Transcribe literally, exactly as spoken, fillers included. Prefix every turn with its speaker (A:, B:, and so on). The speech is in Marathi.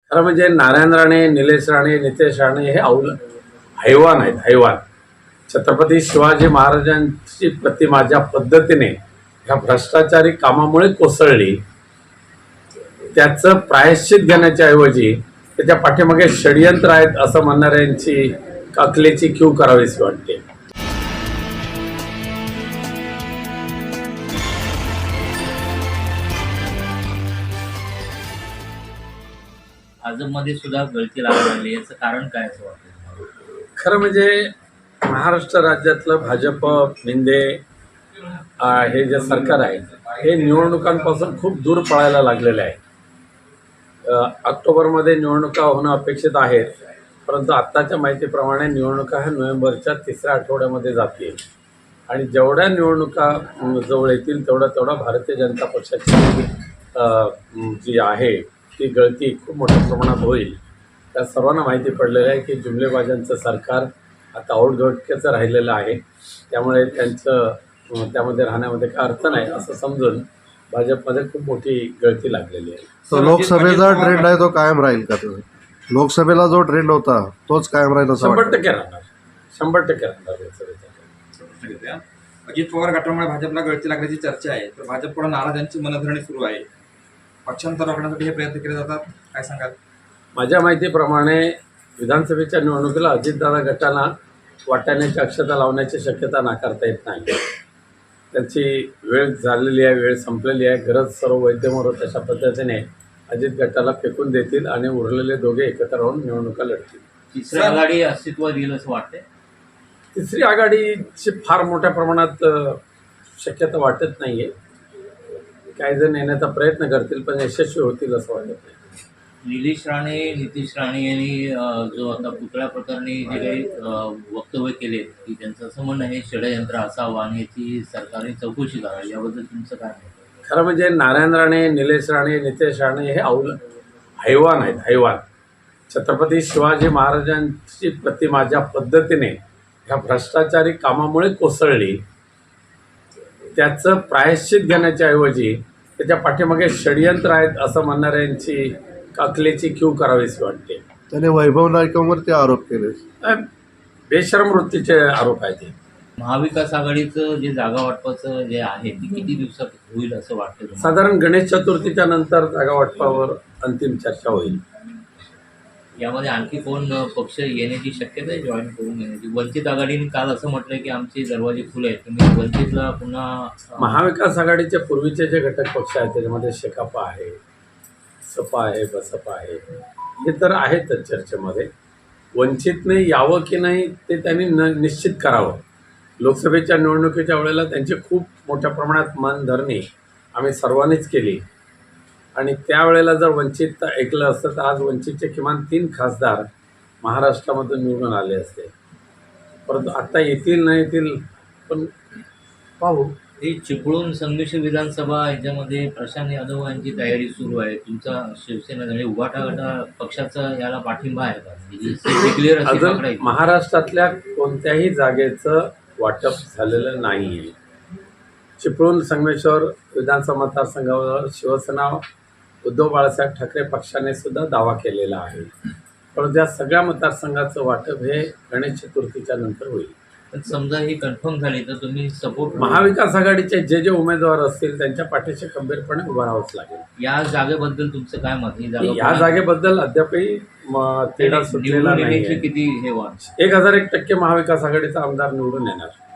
A: खरं म्हणजे नारायण राणे, निलेश राणे, नितेश राणे हे औल हैवान आहेत, हैवान. छत्रपती शिवाजी महाराजांची प्रतिमा ज्या पद्धतीने ह्या भ्रष्टाचारी कामामुळे कोसळली, त्याचं प्रायश्चित घेण्याच्या ऐवजी त्याच्या पाठीमागे षडयंत्र आहेत असं म्हणणाऱ्यांची अकलेची कीव करावीशी वाटते.
B: भाजपमध्ये सुद्धा गळती लागायला लागली, याचं कारण काय असं वाटतं?
A: खरं म्हणजे महाराष्ट्र राज्यातलं भाजप मिंदे हे जे सरकार आहे हे निवडणुकांपासून खूप दूर पळायला लागलेले आहे. ऑक्टोबरमध्ये निवडणुका होणं अपेक्षित आहे, परंतु आत्ताच्या माहितीप्रमाणे निवडणुका ह्या नोव्हेंबरच्या तिसऱ्या आठवड्यामध्ये जातील आणि जेवढ्या निवडणुका जवळ येतील तेवढा तेवढा भारतीय जनता पक्षाची जी आहे ती गळती खूप मोठ्या प्रमाणात होईल. त्या सर्वांना माहिती पडलेलं आहे की जुमलेबाजांचं सरकार आता औटघटकेचं राहिलेलं आहे, त्यामुळे त्यांचं त्यामध्ये राहण्यामध्ये काय अर्थ नाही असं समजून भाजपमध्ये खूप मोठी गळती लागलेली आहे.
C: तो लोकसभेचा ट्रेंड आहे तो कायम राहील का? तो लोकसभेला जो ट्रेंड होता तोच कायम राहील असं
A: शंभर टक्के राहणार शंभर टक्के राहणार लोकसभेचा.
D: अजित पवार गटामुळे भाजपला गळती लागण्याची चर्चा आहे, तर भाजपकडून नाराजांची मनधरणी सुरू आहे. पक्षांतर रोखण्यासाठी हे प्रयत्न केले जातात, काय सांगाल?
A: माझ्या माहितीप्रमाणे विधानसभेच्या निवडणुकीला अजितदादा गटाला वाटाण्याची अक्षता लावण्याची शक्यता नाकारता येत नाही. त्यांची वेळ झालेली आहे, वेळ संपलेली आहे. गरज सर्व वैद्यमोर तशा पद्धतीने अजित गटाला फेकून देतील आणि उरलेले दोघे एकत्र राहून निवडणुका लढतील.
B: तिसरी आघाडी अस्तित्वात येईल असं वाटतंय?
A: तिसरी आघाडीची फार मोठ्या प्रमाणात शक्यता वाटत नाही आहे. काही जण येण्याचा प्रयत्न करतील पण यशस्वी होतील असं वाटत नाही.
B: निलेश राणे, नितीश राणे यांनी जो आता पुतळ्या प्रकरणी जे काही वक्तव्य केले की त्यांचं असं म्हणणं आहे षडयंत्र असावं आणि याची सरकारने चौकशी करावी, याबद्दल तुमचं काय म्हणणं?
A: खरं म्हणजे नारायण राणे, निलेश राणे, नितेश राणे हे औल हैवान आहेत, हैवान. छत्रपती शिवाजी महाराजांची प्रतिमा ज्या पद्धतीने ह्या भ्रष्टाचारी कामामुळे कोसळली, त्याचं प्रायश्चित घेण्याच्या ऐवजी त्याच्या पाठीमागे षडयंत्र आहेत असं म्हणणाऱ्यांची अकलेची कीव करावीशी वाटते.
C: त्याने वैभव नाईकांवरती आरोप केले,
A: बेशरम वृत्तीचे आरोप आहेत.
B: महाविकास आघाडीचं जे जागा वाटपाचं जे आहे ते किती दिवसात होईल असं वाटतं?
A: साधारण गणेश चतुर्थीच्या नंतर जागा वाटपावर अंतिम चर्चा होईल.
B: यामध्ये आणखी कोण पक्ष येण्याची शक्यता आहे, जॉईन करून येण्याची? वंचित आघाडीने काल असं म्हटलं की आमचे दरवाजे खुले आहेत, तुम्ही वंचितला पुन्हा.
A: महाविकास आघाडीचे पूर्वीचे जे घटक पक्ष आहेत त्याच्यामध्ये शेकापा आहे, सपा आहे, बसपा आहे, हे तर आहेतच चर्चेमध्ये. वंचितने यावं की नाही ते त्यांनी न निश्चित करावं. लोकसभेच्या निवडणुकीच्या वेळेला त्यांची खूप मोठ्या प्रमाणात मनधरणी आम्ही सर्वांनीच केली आणि त्यावेळेला जर वंचित ऐकलं असतं तर आज वंचितचे किमान तीन खासदार महाराष्ट्रामधून निवडून आले असते. परंतु आत्ता येतील नाही येतील पण पाहू.
B: ही चिपळूण संमिश्र विधानसभा याच्यामध्ये प्रशांत यादव यांची तयारी सुरू आहे. तुमचा शिवसेना म्हणजे उभाटा गटा पक्षाचा याला पाठिंबा आहे का?
A: अजून महाराष्ट्रातल्या कोणत्याही जागेचं वाटप झालेलं नाही आहे. चिपळूण संगमेश्वर विधानसभा मतदारसंघावर शिवसेना उद्धव बाळासाहेब ठाकरे पक्षाने सुद्धा दावा केलेला आहे, परंतु या सगळ्या मतदारसंघाचं वाटप हे गणेश चतुर्थीच्या नंतर होईल.
B: पण समजा ही कन्फर्म झाली तर तुम्ही सपोर्ट
A: महाविकास आघाडीचे जे जे उमेदवार असतील त्यांच्या पाठीशी खंबीरपणे उभं राहावंच लागेल.
B: या जागेबद्दल तुमचं काय मत? ही जागा
A: या जागेबद्दल अद्यापही तेढा सुटलेला नाही.
B: किती हे वाच
A: एक हजार एक टक्के महाविकास आघाडीचा आमदार निवडून येणार.